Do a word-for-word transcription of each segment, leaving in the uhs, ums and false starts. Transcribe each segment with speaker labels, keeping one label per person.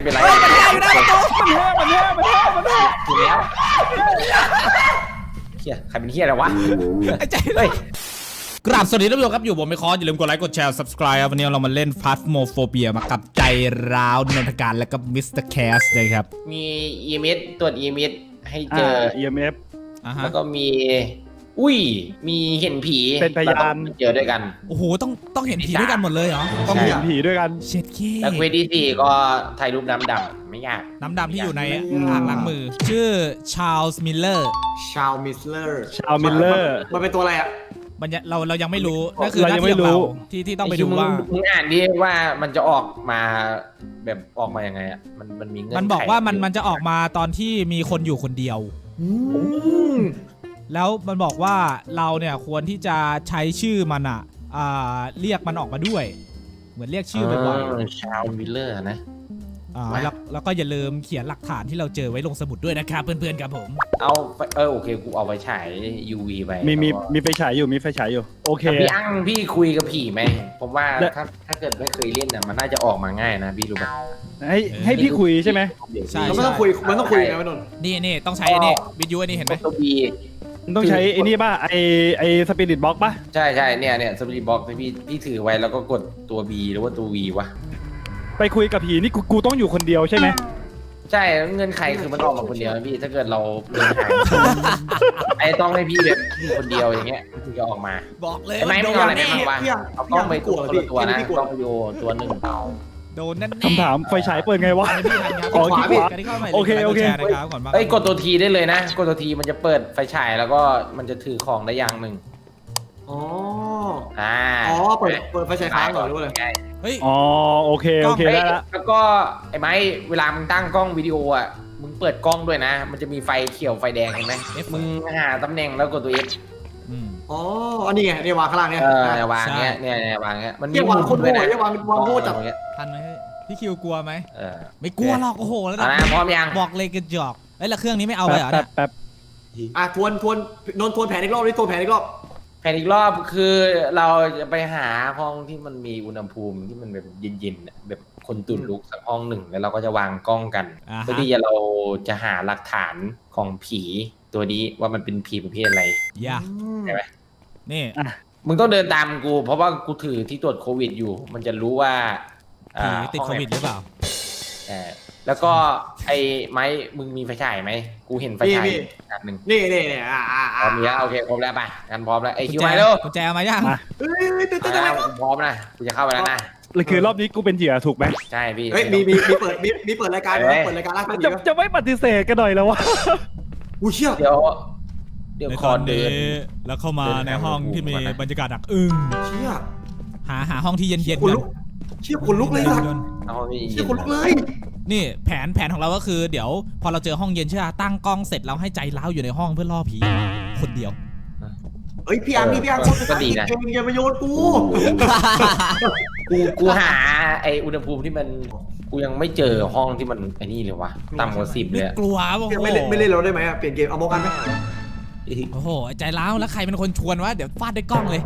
Speaker 1: เป็นไร
Speaker 2: มันแย่อยู่นะประตูมันแย่มันแย่มันแย่มันแย่
Speaker 1: ถูกแล้วเฮียใครเป็นเฮียอะไรวะ
Speaker 2: ไอ้ใจเลยกราบสวัสดีท่านผู้ชมครับอยู่ผมไม่คออย่าลืมกดไลค์กดแชร์ ซับสไครบ์ ครับวันนี้เรามาเล่น Phasmophobia มากับใจร้าวนนทการและก็มิสเตอร์แคสนะครับ
Speaker 1: มี อี เอ็ม เอส ตรวจ อี เอ็ม เอส ให้เจอ
Speaker 3: อี เอ็ม เอฟ
Speaker 1: แล้วก็มีอุ้ยมีเห็นผี
Speaker 3: เป็นพยาน
Speaker 1: เจอด้วยกัน
Speaker 2: โอ้โหต้องต้องเห็นผีด้วยกันหมดเลยเหรอ
Speaker 3: ต้องเห็นผีด้วยกัน
Speaker 2: เช็ดขี้
Speaker 1: แล้วเควสที่สี่ก็ถ่ายรูปน้ำดำไม่ยาก
Speaker 2: น้ำดำที่อยู่ในอ่างล้างมือชื่อชาร์ลส์มิลเลอร์
Speaker 4: ชาร์ลส์มิลเลอร์
Speaker 3: ชาร์ลส์มิลเลอร์
Speaker 4: มันเป็นตัวอะไรอ่ะ
Speaker 2: มันเราเรายังไม่รู้นั่นคือหน้าที่ของเราที่ที่ต้องไปดูว่า
Speaker 1: มึงอ่านดิว่ามันจะออกมาแบบออกมายังไงอ่ะมันมันมีเงื่อนไข
Speaker 2: มันบอกว่ามันมันจะออกมาตอนที่มีคนอยู่คนเดียวแล้วมันบอกว่าเราเนี่ยควรที่จะใช้ชื่อมันอ่ะเรียกมันออกมาด้วยเหมือนเรียกชื่อบ่อย
Speaker 1: ๆชาร์ลส์มิลเลอร์นะ
Speaker 2: แล้วแล้วก็อย่าลืมเขียนหลักฐานที่เราเจอไว้ลงสมุดด้วยนะครับเพื่อนๆครับผม
Speaker 1: เอาเออโอเคกูเอาไปฉาย ยู วี ไป
Speaker 3: มีมีมีไฟฉายอยู่มีไฟฉายอยู่โอเค
Speaker 1: พี่อั้งพี่คุยกับผีไหมผมว่าถ้าถ้าเกิดไม่เคยเล่นอ่ะมันน่าจะออกมาง่ายนะพี่รู้ป่ะ
Speaker 3: ให้ให้พี่คุยใช่ไหม
Speaker 2: ใช่
Speaker 4: มันต้องคุยมันต้องคุยไงพี่นนท์
Speaker 2: นี่นี่ต้องใช้อันนี้วิดีโออันนี้เห็นไหม
Speaker 1: ตัวบี
Speaker 3: ต้องใช้ไอ้นี่ป่ะไอไอสปิริตบ็อกป่ะ
Speaker 1: ใช่ใช่เนี่ยเนี่ยสปิริตบ็อกพี่พี่ถือไว้แล้วก็กดตัว B หรือว่าตัว V วะ
Speaker 3: ไปคุยกับผีนี่กูกูต้องอยู่คนเดียวใช่ไหม
Speaker 1: ใช่เงินไขคือมันออกมาคนเดียวพี่ถ้าเกิดเราเดินหายไอ้ต้องให้พี่แบบอยู่คนเดียวอย่างเงี้ยถึงจะออกมา
Speaker 2: บอกเลย
Speaker 1: ไม่ไม่เอาอะไรไม่มาวะเอากล้องไปตัวตัวนะกล้องวิดีโอตัวหนึ่ง
Speaker 2: โดนนั่น
Speaker 3: คำถามไฟฉายเปิดไงวะ
Speaker 2: ขอขวาพี่โอเค
Speaker 3: โอเค
Speaker 1: เอ้ยกดตัวทีได้เลยนะกดตัวทีมันจะเปิดไฟฉายแล้วก็มันจะถือของได้อย่างหนึ่ง
Speaker 4: อ๋อ
Speaker 1: อ่า
Speaker 4: อ๋อเปิดเปิดไฟฉายค้างก่อนรู้เลย
Speaker 2: เฮ้ย
Speaker 3: อ๋อโอเคโอเคได้ละ
Speaker 1: แล้วก็ไอ้ไม้เวลามึงตั้งกล้องวิดีโออ่ะมึงเปิดกล้องด้วยนะมันจะมีไฟเขียวไฟแดงเห็นไหมมึงหาตำแหน่งแล้วกดตัว F
Speaker 4: อ๋ออันนี้ไงเนี่ยวางข้างล่างเนี่
Speaker 1: ยเออวางเนี้ยเนี่ยวางเนี้ยมันมี
Speaker 4: วางคนโง่เนี่ยวางวางโง่จับ
Speaker 2: ทันไหมพี่คิวกลัวไหมเออไม่กลัวหรอกโอ้โหแล้วนะ
Speaker 1: พร้อมยัง
Speaker 2: บอกเลยกระจอกเอ้ยแล้วเครื่องนี้ไม่เอาเลยเหรอเนี่ย
Speaker 3: แป๊บ
Speaker 4: อ่ะทวนทวนนนทวนแผนอีกรอบนี่ทวนแผนอีกรอบ
Speaker 1: แผนอีกรอบคือเราจะไปหาห้องที่มันมีอุณหภูมิที่มันแบบเย็นๆแบบคนตื่นลุกสักห้องหนึ่งแล้วเราก็จะวางกล้องกันเพื่อที่จะเราจะหาหลักฐานของผีตัวนี้ว่ามันเป็นผีประเภทอะไร
Speaker 2: ย่า
Speaker 1: ใช่ไหม
Speaker 2: นี่
Speaker 1: มึงต้องเดินตามกูเพราะว่ากูถือที่ตรวจโควิดอยู่มันจะรู้ว่า
Speaker 2: ผีติดโควิดหรือเปล่า
Speaker 1: เออแล้วก็ไอ้ไม้มึงมีไฟฉายไหมกูเห็นไฟฉายอันหนึ่ง
Speaker 4: นี่นี่นี่อ่าอ่า
Speaker 1: พร้อมแล้วโอเคพร้อมแล้วไปกันพร้อมแล้วไอ้คิวมาแล้ว
Speaker 2: กุญแจมายัง
Speaker 4: เฮ้ยตื่นเต้นอะไรวะ
Speaker 1: พร้อมนะกูจะเข้าไปแล้วนะ
Speaker 3: เลยคือรอบนี้กูเป็นเหยื่อถูกไหม
Speaker 1: ใช่พี่
Speaker 4: เฮ้ยมีมีมีเปิดมีมีเปิดรายการไหมเปิดรายการล่าสุด
Speaker 3: จะจะไม่ปฏิเสธกันหน่อยแล้ววะ
Speaker 4: กูเชื่อ
Speaker 1: เดี๋ยวเดี๋ยว
Speaker 2: คอนเดินแล้วเข้ามาในห้องที่มีบรรยากาศหนักอึ้ง
Speaker 4: เชี่ย
Speaker 2: หาหาห้องที่เย็นๆกัน
Speaker 4: เชี่ยคนลุกเลยสัตว์เชี่ยคนลุกเลย
Speaker 2: นี่แผนแผนของเราก็คือเดี๋ยวพอเราเจอห้องเย็นใช่ไหมตั้งกล้องเสร็จเราให้ใจร้าวอยู่ในห้องเพื่อล่อผีคนเดียว
Speaker 4: เฮ้ยพี่อังพี่พี่อัง
Speaker 1: ก็ดีนะ
Speaker 4: อย่ามาโยนกู
Speaker 1: กูกูหาไออุณหภูมิที่มันกูยังไม่เจอห้องที่มันไอ้นี่เลยวะต่ำกว่าสิบเลย
Speaker 2: กลัวป่ะ
Speaker 4: ไม่เล่นไม่เล่นเราได้ไหมเปลี่ยนเกมเอาโมกันไหม
Speaker 2: โอ้โหใจร้าวแล้วใครเป็นคนชวนวะเดี๋ยวฟาดด้วยกล้องเลย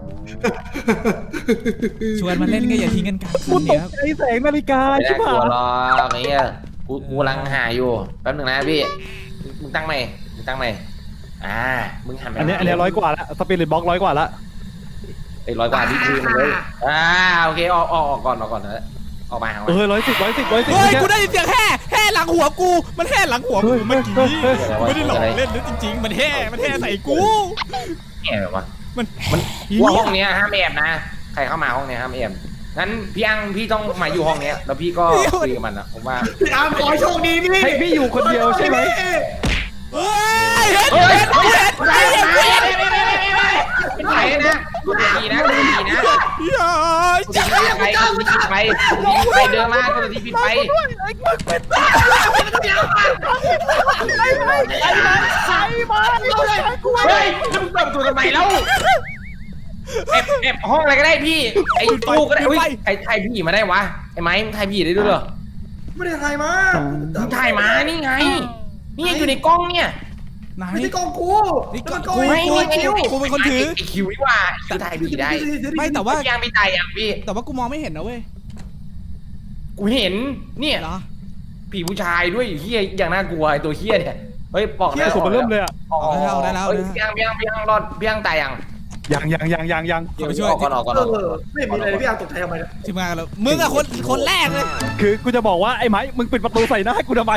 Speaker 2: ชวนมาเล่นก็อย่าทิ้งกันกลางคืนเนี่ย
Speaker 3: ไอ้แสงนาฬิกาใช่
Speaker 1: ป่ะรอไอ้เงี้ยกูกูกำลังหาอยู่แป๊บหนึ่งนะพี่มึงตั้งไหมมึงตั้งไหมอ่ามึงหันไป
Speaker 3: อันนี้อันนี้ร้อยกว่าละสปิริตบ็อกร้อยกว่าละ
Speaker 1: ไอ้ร้อยกว่าที่คือมันเลยอ่าโอเคออกออกก่อนออกก่อนนะออกมา
Speaker 3: เออร้อยสิบร้อยสิบร้อยสิบ
Speaker 2: เฮ้ยกูได้ยินเสียงแห่แห่หลังหัวกูมันแห่หลังหัวกูเมื่อกี้ไม่ได้หลอกเล่นนะจริงๆมันแห่มันแห่ใส่กู
Speaker 1: แห่แบบว่า
Speaker 2: มัน
Speaker 1: มันว่าห้องนี้ห้ามแอบนะใครเข้ามาห้องนี้ห้ามแอบงั้นพี่อังพี่ต้องมาอยู่ห้องนี้แล้วพี่ก็คุยกับมันนะผมว่า
Speaker 4: พี่อังขอโชคดีพี่
Speaker 3: ให้พี่อยู่คนเดียวใช่ไหม
Speaker 2: เฮ้ยเห็นเห็นเห็นเห็นเห็น
Speaker 1: เป็นไงนะกูดีนะกูดีนะ
Speaker 2: อย่า
Speaker 1: จะไปไปไปไปเดินมากูดีปิดไป
Speaker 3: ไอ้ไอ้ไอ้ไอ้มา
Speaker 1: เฮ้ยมึงเปิดประตูทำไมแล้วแอบแอบห้องอะไรก็ได้พี่ไอ้ตู้ก็ได้อุ้ยใครถ่ายผีมาได้วะไอ้ไม้มึงถ่ายผีได้ด้วยเหรอ
Speaker 4: ไม่ได้ถ่ายมา
Speaker 1: มึงถ่ายมานี่ไงนี่อยู่ในกล้องเนี่ย
Speaker 4: ไม่ใช่กล้องกู
Speaker 2: นี่กล้องกูไม่คิวกูเป็นคนถือ
Speaker 1: ไอ้คิวนี่ว่าคือถ่ายผีได้
Speaker 2: ไม่แต่ว่า
Speaker 1: ยังไม่ถ่ายอ่ะพี่
Speaker 2: แต่ว่ากูมองไม่เห็นนะเว้ย
Speaker 1: กูเห็นเนี่ย
Speaker 2: เหรอ
Speaker 1: ผีผู้ชายด้วยเฮียอย่างน่ากลัวไอ้ตัวเฮียเนี่ยเฮ้ยปอก
Speaker 4: เที่ยสุดมันเริ่มเลยอ่ะ
Speaker 1: อ๋อเพียงเพียงเพียงรอดเพียงตายยัง
Speaker 4: ยังยังยังยังยัง
Speaker 2: เอาไปช่วย
Speaker 1: ออกก่อนออกก่อน
Speaker 3: เออไม่มีอะไรเลยพี่อาร์ตกใจทำไมเนี่ย
Speaker 2: ทีมงานกันแล้วมึงอะคนคนแรกเลย
Speaker 4: คือกูจะบอกว่าไอ้ไม้มึงปิดประตูใส่หน้ากูทำไม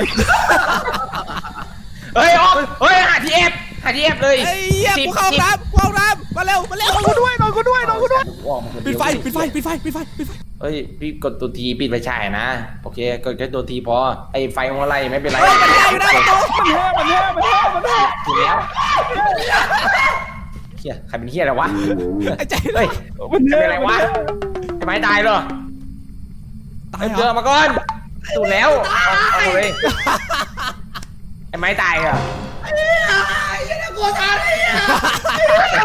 Speaker 1: เฮ้ยออกเฮ้ยหาทีเอฟหาทีเอฟเลย
Speaker 2: ไอ้เหี้ยกูเข้าน้ำกูเข้าน้ำมาเร็วมาเร็ว
Speaker 4: นอนกูด้วยนอนกูด้วยนอนกูด้วย
Speaker 2: ปิดไฟปิดไฟปิดไฟปิดไฟปิดไฟ
Speaker 1: เฮ้ยพี่กดตัวทีปิดไปฉายนะโอเคกดแค่ตัวทีพอไอ้ไฟของอะไรไม่เป็นไร
Speaker 2: เฮ้ยมันแย่อยู่หน้าประตู
Speaker 4: มันแย่มันแย่มันแย่มันแย่
Speaker 1: ถูกแล้วเฮียใครเป็นเฮียอะไรวะ
Speaker 2: ไอ้ใจ
Speaker 1: เฮ้ย
Speaker 4: มัน
Speaker 1: ใคร
Speaker 4: แย่
Speaker 1: เป็นอะไรวะไอ้ไม้ตายเหรอ
Speaker 2: ตายเหร
Speaker 1: เจอ
Speaker 2: อ
Speaker 1: มาก่อนถูกแล้วเอาเอาเลยไอ้ไม้ตายเหรอ
Speaker 3: กลัวตายเลยอ่ะ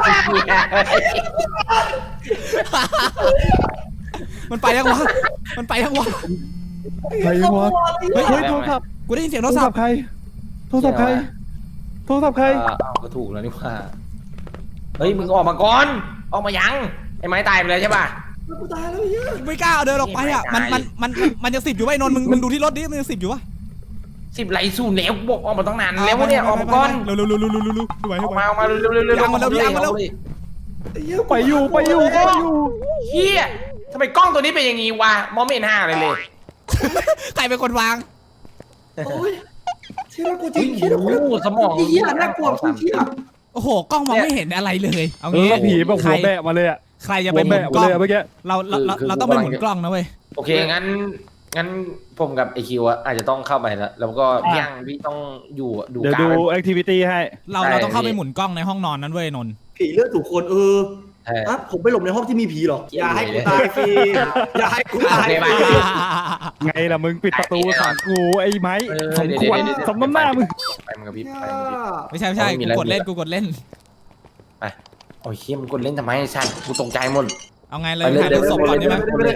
Speaker 2: มันไปยังวะมันไปยังวะ
Speaker 4: ใครวะเฮ้ยโทรศัพท์
Speaker 2: กูได้ยินเสียง
Speaker 4: โท
Speaker 2: โท
Speaker 4: ร
Speaker 2: รศั
Speaker 4: ศั
Speaker 2: พ
Speaker 4: พ
Speaker 2: ท์
Speaker 4: ท์ใครโทรศัพท์ใครโทรศัพท์ใคร
Speaker 1: เออเอาก็ถูกแล้วนี่ว่าเฮ้ยมึงออกมาก่อนออกมายังไอ้ไม้ตายไปเลยใช่ป่ะ
Speaker 3: กูตายแล้วเยอะ
Speaker 2: ไม่กล้าเอาเดินออกไปอ่ะมันมันมันมันยังสิบอยู่ไอ้นนท์มึงมึงดูที่รถดิมันยังสิบอยู่วะ
Speaker 1: สิบไหลสู่เหลวบอกออกมาตั้งนานแล้วเนี่ยออกมาก่อน
Speaker 2: เร็วเร็วเร็วเร็วเร็วเร็วไม่ไหว
Speaker 1: อ
Speaker 2: ไม่
Speaker 1: อก
Speaker 2: ไหว
Speaker 1: มาออกมาเร็วเร็วเร็ว
Speaker 2: ยังมาเร็วยังมาเร็ว
Speaker 4: ไปอยู่ไปอยู่ไปอยู่
Speaker 1: เฮียทำไมกล้องตัวนี้เป็นอย่างงี้วะมองไม่เห็นห้าเลยเลย
Speaker 2: ใครเป็นคนวาง
Speaker 3: โอ้ยเชี่ยน่ากลัวจริงเชี่ย
Speaker 1: โอ้
Speaker 3: น่ากลัว
Speaker 1: โหสมอง
Speaker 3: เชี่ยน่ากลัวเชี่ย
Speaker 2: โอ้โหกล้องมองไม่เห็นอะไรเลยเอา
Speaker 4: เอ
Speaker 2: งี้
Speaker 4: อผีแบบ
Speaker 2: ใค
Speaker 4: หั
Speaker 2: ร
Speaker 4: วแบะมาเลยอ่ะ
Speaker 2: ใครจะ
Speaker 4: หั
Speaker 2: ไป
Speaker 4: ว
Speaker 2: หมุ
Speaker 4: แบะ
Speaker 2: น
Speaker 4: มาก
Speaker 2: ล้อง
Speaker 4: เลยอะเมื่อกี้
Speaker 2: เราเราเราเราต้องไปหมุนกล้องนะเว้ย
Speaker 1: โอเคงั้นงั้นผมกับไอคิวอะอาจจะต้องเข้าไปแล้วแล้วก็พี่ยังพี่ต้องอยู่ดู
Speaker 4: เดี๋ยว
Speaker 1: กา
Speaker 4: ดู
Speaker 1: ร
Speaker 4: แอคทิวิตี้ให้
Speaker 2: เราเราต้องเข้าไปหมุนกล้องในห้องนอนนั้นเว้ยนนท์
Speaker 3: ผีเลือดถูกคนเออ
Speaker 1: ใช่
Speaker 3: อ่ะผมไปหลบในห้องที่มีผีหรออย่าให้กูตายฟรีอย่าให้กูตายฟรี
Speaker 4: ไงล่ะมึงปิดประตูขังกูไอ้ไม้สมควรสมน้ำหน้ามึง
Speaker 1: ไปมึงกับพี่ไปมึงกับพี่
Speaker 2: ไม่ใช่ไม่ใช่กูกดเล่นกูกดเล่น
Speaker 1: ไปโอ้ยเฮียมันกดเล่นทำไมชันกูตกใจหมด
Speaker 2: เอาไงเลยถ่ายรูปศพก่อนได้ไหม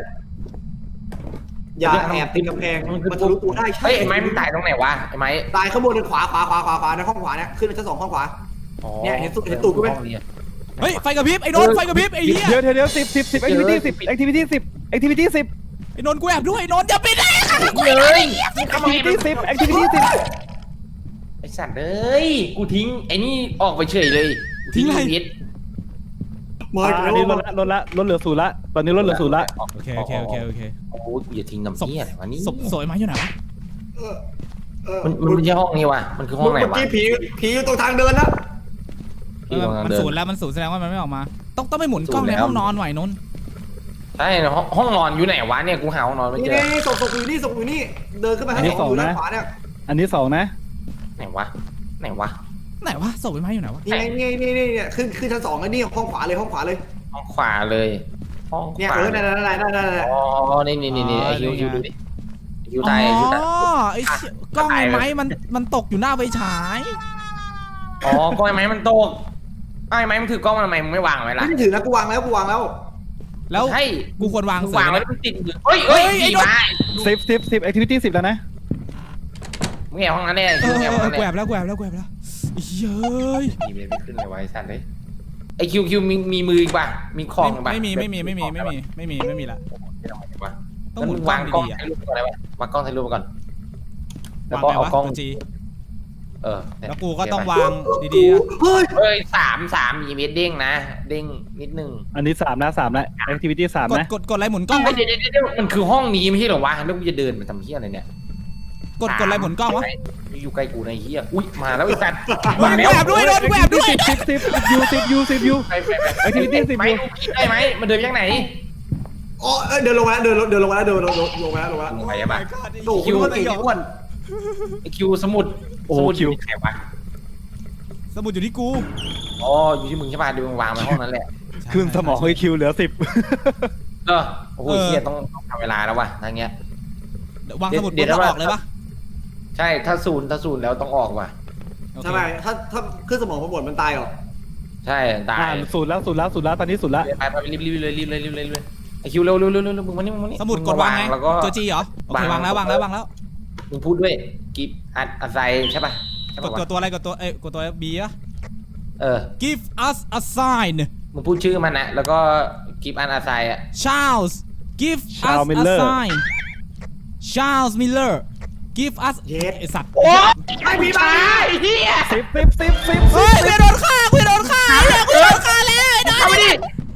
Speaker 3: อย่าแอบติดกำแพงมันทะลุตัวได้ใช่
Speaker 1: เฮ้ยไอ้ไม้มึงตายตรงไหนวะไอ้ไม้
Speaker 3: ตายข้างบนขวาขวาขวาขวาขวาในห้องขวาเนี่ยขึ้นไปชั้นสองห้องขวา เนี่ยเห็นตูดเห็นตูดกูไหม
Speaker 2: เฮ้ยไฟกระพริบไอ้นนท์ไฟกระพริบไอ้เหี้ย
Speaker 4: เดี๋ยวเดี๋ยวเดี๋ยวสิบสิบสิบแอคทิวิตี้สิบแอคทิวิตี้สิบแอคทิวิตี้สิบ
Speaker 2: ไอ้นนท์กูแอบด้วยไอ้นนท์อย่าปิดเลย
Speaker 1: เลยทำ
Speaker 4: แอค
Speaker 1: ไม
Speaker 4: ทิวิตี้สิบแอคทิวิตี้สิบ
Speaker 1: ไอ้สัตว์เอ้ยกูทิ้งไอ้นี่ออกไปเฉยเลยทิ้งพีท
Speaker 3: มา
Speaker 4: อันนี้ลดละลดละลดเหลือศูนย์ละตอนนี้ลดเหลือศูนย์ละ
Speaker 2: โอเคโอเคโอเคโอเค
Speaker 1: โอ้ยอย่าทิ้งน้ำ
Speaker 2: ศพ
Speaker 1: เหี้ยอะไรวะนี่
Speaker 2: ศพสวยไหมอยู่ไหนวะ
Speaker 1: มันมันไม่ใช่ห้องนี้วะมันคือห้องไหน
Speaker 3: เมื่อ
Speaker 1: วะ
Speaker 3: กี้ผีผีอยู่ตรงทางเดินนะ
Speaker 2: เออมันศูนย์แล้วมันศูนย์แสดงว่ามันไม่ออกมา ต้องต้องไปหมุนกล้องในห้องนอนไหวนนท์
Speaker 1: ใช่ห้องห้องนอนอยู่ไหนวะเนี่ยกูหาห้องนอนไม่
Speaker 3: นี่
Speaker 1: เจอ
Speaker 3: นี่ศพศพอยู่นี่ศพอยู่นี่เดินขึ้นมาทางสองอยู่ด้านขวาเนี่ย
Speaker 4: อันนี้สองนะ
Speaker 1: ไหนวะไหนวะ
Speaker 2: ไหนวะศพไอ้ไม้อยู่ไหนวะ
Speaker 3: นี่นี่นี่นี่เนี่ยขึ้นขึ้นชั้นสองแล้วนี่ห้องขวาเลยห้องขวาเลย
Speaker 1: ห้องขวาเลยห้อง
Speaker 3: เนี่ย
Speaker 1: ขวา
Speaker 3: เออนั่นนั่นนั่นนั่นนั่น
Speaker 1: อ๋อนี่นี่นี่นี่ไอคิวคิวดูดิคิว
Speaker 2: อ๋
Speaker 1: ตายคิวตาย
Speaker 2: อไอ้เชี่ยกล้องไอ้ไม้มันมันตกอยู่หน้าไฟฉาย
Speaker 1: อ๋อกล้องไอ้ไม้มันตกไอ้ไม้มันถือกล้องทำไมมึงไม่วางไว้ล่ะ
Speaker 3: ไม่ได้ถือนะกูวางแล้วกูวางแล้ว
Speaker 2: แล้ว
Speaker 1: ใช่
Speaker 2: กูควรวาง
Speaker 1: มึง
Speaker 2: เสือ
Speaker 1: วาง
Speaker 2: ไหม
Speaker 1: ไว้มันติดมือเฮ้ยเฮ้ยผีมา
Speaker 4: สิบสิบสิบแอคทิวิตี้สิบแล้วนะ
Speaker 1: มึงแอบห้องนั้นแน่
Speaker 2: เอ
Speaker 1: คิว
Speaker 2: อ
Speaker 1: แอบ
Speaker 2: เอ
Speaker 1: ห้อง
Speaker 2: อ
Speaker 1: นั้น
Speaker 2: แกว
Speaker 1: แน่
Speaker 2: บแล้วแกวบแล้วแกวบแล้วเย้ย
Speaker 1: มีเบบี้ขึ้นเลยไว้สันเลยไอคิวคิวมีมีมืออีกป่ะมีของป่ะ
Speaker 2: ไม่มีไม่มีไม่มีไม่มีไม่มีไม่มีละ
Speaker 1: ต้
Speaker 2: ต้
Speaker 1: อ
Speaker 2: อง ง
Speaker 1: ห
Speaker 2: ห
Speaker 1: มุ
Speaker 2: มุ
Speaker 1: น
Speaker 2: น
Speaker 1: วาก
Speaker 2: ล้
Speaker 1: กล้
Speaker 2: อ
Speaker 1: อง
Speaker 2: งดีๆอะ
Speaker 1: ถ่ายรูปก่อนอะไรวะวางกล้องถ่ายรูปก่อนแล้ว
Speaker 2: วาง
Speaker 1: ก็
Speaker 2: ไง
Speaker 1: เอา
Speaker 2: วะ
Speaker 1: กล้อง
Speaker 2: ตัวจี
Speaker 1: เออ
Speaker 2: แล้วกูก็ต้องวางดีๆอะ
Speaker 3: เฮ้ย
Speaker 1: เฮ้ยสามสามมีเมตรเด้งนะ เด้งนิดนึง
Speaker 4: อันนี้สามนะสามนะแอคทิวิตี้สาม
Speaker 2: กด
Speaker 4: นะ
Speaker 2: กดกดอะไรหมุนกล้อง
Speaker 1: เฮ้
Speaker 2: วะ
Speaker 1: ยเดี๋ยวเดี๋ยวเดี๋ยวมันคือห้องนี้ไม่ใช่เหรอวะแล้วกูจะเดินไปทำเฮี้ยอะไรเนี่ย
Speaker 2: กดกดอะไรหมุนกล้องวะ
Speaker 1: อยู่ใกล้กูในเฮี้ยอุ้ยมาแล้วไอ้สัตว์
Speaker 2: มึงแอบด้วยโดนแอบด้วย
Speaker 4: สิบสิบสิบยูสิบยูสิบยู
Speaker 1: ไปไปไป
Speaker 4: Activity สิบ
Speaker 1: ไหมคิดได้ไหมมันเดินไปยังไหน
Speaker 3: อ๋อเดินลงมาแล้วเดินเดินลงมาแล้วเดินลงลงมาแล้วลงมาแล้ว
Speaker 1: ลงไปยังปะ
Speaker 3: โอ้โหมันเก่งอ้วน
Speaker 1: ไอคิวสมุด
Speaker 4: โอ้
Speaker 1: สมุด
Speaker 4: คิว
Speaker 1: ยู่ที่ไหนวะ
Speaker 2: สมุดอยู่ที่กู
Speaker 1: อ๋ออยู่ที่มึงใช่ป่ะดูมึงวางไว้ห้องนั้นแหละ
Speaker 4: คืนสมองไอคิวเหลือสิบ
Speaker 1: เออโอ้โหเฮี้ยต้องต้องทำเวลาแล้ววะทางเงี้ย
Speaker 2: วางสมุดปุ๊บแล้วออกเลยปะ
Speaker 1: ใช่ถ้าศูนย์ถ้าศูนย์แล้วต้องออกว่ะ
Speaker 2: โอเค
Speaker 3: ทำไมถ้าถ้าขึ้นสมองมันหมดมันตายเหรอ
Speaker 1: ใช่ตาย
Speaker 4: อ่าศูนย์แล้วศูนย์แล้วศูนย์แล้วตอนนี้ศูนย์แล้ว
Speaker 1: ไปไปรีบรีบเลยรีบเลยรีบเลยรีบเลยไอคิวเร็วเร็วเร็วเร็วมึงมานี่มึงมานี่
Speaker 2: สมุดกดวางไง
Speaker 1: แล้วก็
Speaker 2: ตัวจีเหรอโอเควางแล้ววางแล้ววางแล้ว
Speaker 1: มึงพูดด้วยกิฟอัดอัดไซใช่ป่ะใช่
Speaker 2: ก
Speaker 1: ป่ะ
Speaker 2: ดกดตัวอะไรกดตัวเอ้ยกดตัวบีอะ
Speaker 1: เออ
Speaker 2: give us a sign
Speaker 1: มึงพูดชื่อมันนะแล้วก็กิฟอันอัดไซอ่ะ
Speaker 2: Charles give us a sign Charles Miller give us
Speaker 3: เย็ด
Speaker 2: ไอสัตว์
Speaker 3: ไม่มีมาเฮีย
Speaker 4: สิบสิบสิบสิบ
Speaker 2: เฮ้ยกูจะโดนฆ่ากูจะโดนฆ่าเฮ้ยกูจะโดนฆ่าแล้วไอ้น้อย
Speaker 1: เข้าไปดิ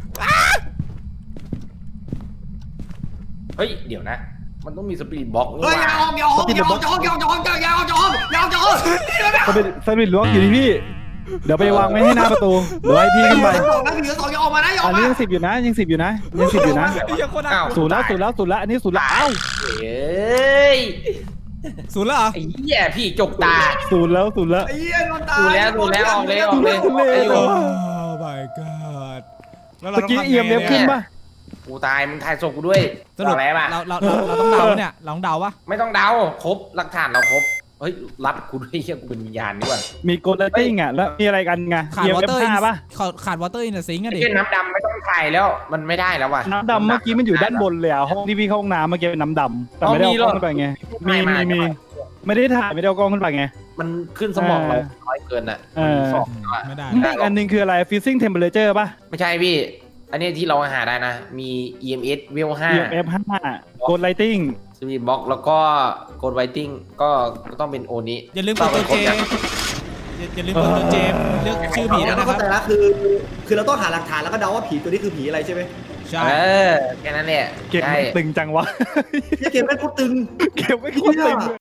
Speaker 1: เฮ้ยเดี๋ยวนะ มันต้องมีสปีดบล็อก
Speaker 3: เฮ้ยอย่าออกอย่าออกอย่าออกอย่าออกอย่าออกอย่าออกอย่าออกอย่าออกอย่าออกอย่าออก
Speaker 4: สปิริตสปิริตล้วงอยู่ที่พี่ เดี๋ยวไปวางไว้ให้หน้าประตูเดี๋ยวให้พี่ขึ้นไป
Speaker 3: สองนะผีสองอย่าออกมานะอย่าอ
Speaker 4: อั
Speaker 3: อน ก
Speaker 4: นี้
Speaker 3: มา
Speaker 4: ยังสิบอยู่นะยังสิบอยู่นะยังสิบอยู่นะ
Speaker 2: ไอ้เหี้ยโคตรน่ากลัว
Speaker 4: ศูนย์แล้วศูนย์แล้วศูนย์แล้วอันนี้ศูนย์แล้วเอ้า
Speaker 1: เอ้ย
Speaker 2: ศูนย์แล้วเหรอ
Speaker 1: ไอ้เหี้ยพี่จกตา
Speaker 4: ศูนย์แล้วศูนย์แล้ว
Speaker 3: ไอ้เหี้ยโดนตาย
Speaker 1: ดูแล้วดูแล้วออกเลยออกเลย
Speaker 4: ทุเรศ
Speaker 2: โอ้ my god แล้วเรา
Speaker 4: เมื่อ
Speaker 2: ต้อง
Speaker 4: กี้
Speaker 2: ทำ
Speaker 4: เอียม
Speaker 2: ไง
Speaker 4: เล็บ
Speaker 2: เนี่
Speaker 4: ขึ้น
Speaker 2: ย
Speaker 4: ป่ะ
Speaker 1: กูตายมึงถ่ายศพกูด้วย
Speaker 2: สรุป
Speaker 1: อะไรป่ะ
Speaker 2: เราเราเราเราต้องเดาปะเนี่ยเราต้องเดาปะ
Speaker 1: ไม่ต้องเดาครบหลักฐานเราครบเฮ้ยรับกูด้วยเฮียกูเป็นวิญญาณนี่หว่า
Speaker 4: มีโกลเลตติ้งอ่ะแล้วมีอะไรกันไง
Speaker 2: ขาด
Speaker 4: เอียม
Speaker 2: วอ
Speaker 4: เอฟ
Speaker 2: เตอร์
Speaker 4: ห้าป่ะ
Speaker 2: ขาดวอเตอร์อินเดอะซิงค์อะดิ
Speaker 1: ไอ้น้ำดำไม่ต้องถ่ายแล้วมันไม่ได้แล้วว่ะ
Speaker 4: น้ำดำเมื่อกี้มันอยู่ด้านบนเลยอ่ะห้องที่พี่เข้าห้องน้ำเมื่อกี้เป็นน้ำดำแต่ไม่ได้เอากล้องขึ้นไปไงมีมีมีไม่ได้ถ่ายไม่ได้เอากล้องขึ้นไปไง
Speaker 1: มันขึ้นสมองเราน้อยเกินอ่ะ
Speaker 4: เออ
Speaker 1: สองแล้วอะ
Speaker 2: ไม่ได้
Speaker 4: นี่อีกอันหนึงคืออะไร freezing temperature ป่ะ
Speaker 1: ไม่ใช่พี่ อันนี้ที่เราหาได้นะ มี อี เอ็ม เอส เวลห้า
Speaker 4: เอียมเอฟห้า gold lighting
Speaker 1: สปีดบล็อกแล้วก็โกดไวติ้งก็ต้องเป็นโอนี้
Speaker 2: อย่าลืมกดตัวเจอย่าอย่าลืมกดตัวเจเลือกชื่อผีด้วย
Speaker 3: เรา
Speaker 2: นะค
Speaker 3: เข้า
Speaker 2: รับ
Speaker 3: ใจแล้วคือ คือเราต้องหาหลักฐานแล้วก็เดาว่าผีตัวนี้คือผีอะไรใช่ไหม
Speaker 2: ใช่
Speaker 1: เออแค่นั้นแหละ
Speaker 4: เก็บ
Speaker 1: ใช่
Speaker 4: ตึงจังวะ
Speaker 3: เนี่ยเกมแม่งโคตรตึง
Speaker 4: เก็บไม่โคตรตึง